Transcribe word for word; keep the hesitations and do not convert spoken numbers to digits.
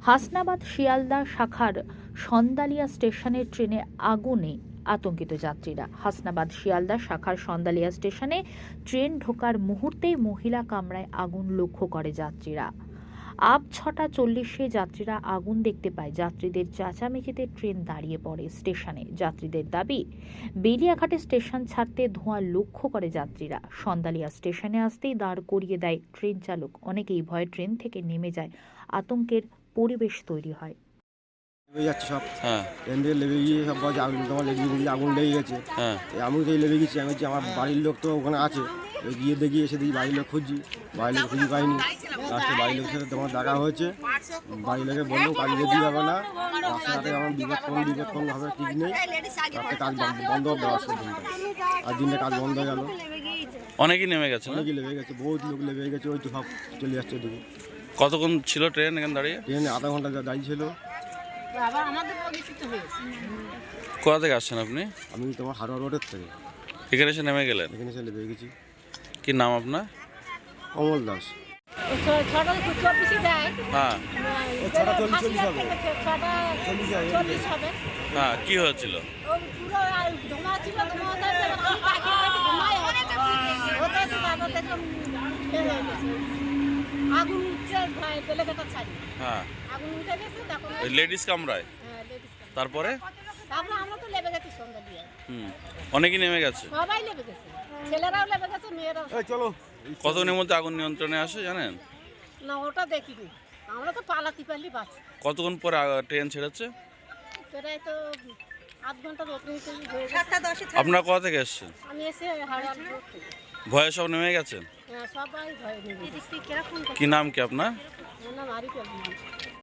হাসনাবাদ শিয়ালদা শাখার সন্দালিয়া স্টেশনের ট্রেনে আগুনে আতঙ্কিত যাত্রীরা। হাসনাবাদ শিয়ালদা শাখার সন্দালিয়া স্টেশনে ট্রেন ঢোকার মুহূর্তেই মহিলা কামরায় আগুন লক্ষ্য করে যাত্রীরা। আব ছটা চল্লিশে যাত্রীরা আগুন দেখতে পায়। যাত্রীদের চেঁচামেচিতে ট্রেন দাঁড়িয়ে পড়ে স্টেশনে। যাত্রীদের দাবি, বেলিয়াঘাটে স্টেশন ছাড়তে ধোঁয়া লক্ষ্য করে যাত্রীরা। সন্দালিয়া স্টেশনে আসতেই দাঁড় করিয়ে দেয় ট্রেন চালক। অনেকেই ভয়ে ট্রেন থেকে নেমে যায়। আতঙ্কের পরিবেশ তৈরি হয়। যাচ্ছে সব হ্যাঁ ট্রেন থেকে লেগে গিয়ে সব বলছে আগুন তোমার লেগে গিয়ে আগুন লেগে গেছে। হ্যাঁ আমি তো লেগে গেছি। আমি হচ্ছে আমার বাড়ির লোক তো ওখানে আছে, গিয়ে দেখি এসে দেখি বাড়ির লোক খুঁজছি, বাড়ির লোক খুঁজে পাইনি। লাস্টে বাড়ির লোকের সাথে তোমার দেখা হয়েছে। বাড়ির লোকে বললো কাজ যেতে যাবে না, রাস্তাঘাটে আমার বিপদ কোন বিপদ কোন হবে ঠিক নেই, রাতে কাজ বন্ধ দেওয়া আসছে দিনটা, আর দিনটা কাজ বন্ধ হয়ে গেল। অনেকেই নেমে গেছে, অনেকেই লেগে গেছে, বহুত লোক লেগে গেছে। ওই তো সব চলে যাচ্ছে ওদিকে। কতক্ষণ ছিল ট্রেন এখানে দাঁড়িয়ে? ট্রেন আধা ঘন্টা দাঁড়িয়ে ছিল। কোথা থেকে আসছেন আপনি? আমি তোমার হারোয়া রোডের থেকে এখানে এসে নেমে গেলেন? এখানে এসে লেগে গেছি। কি নাম আপনার? অমল দাস। হ্যাঁ হ্যাঁ কি হয়েছিল? আগুন উঠছে বেলেঘাটা ছাড়ি। হ্যাঁ আগুন উঠে গেছে তখন লেডিস কামরায়। হ্যাঁ লেডিস কামরায়। তারপরে তারপরে আমরা তো লেবে গেছি সন্ধ্যা দিয়ে। হুম অনেকেই নেমে গেছে। সবাই লেবে গেছে, ছেলেরাও লেবে গেছে, মেয়েরাও। এই চলো। কতক্ষণের মধ্যে আগুন নিয়ন্ত্রণে আসে জানেন? না ওটা দেখিনি, আমরা তো পালাতে পারলি বাঁচ। কতক্ষণ পরে ট্রেন ছেড়েছে? প্রায় তো আধ ঘন্টার ওপরে হয়ে গেছে। আপনারা কোথা থেকে এসছেন? আমি এসে হাওড়া রোড থেকে। ভয়ে সব নেমে গেছেন? হ্যাঁ সবাই ভয় নেই। কি নাম কি আপনার? আমার নাম আরিফ আলী।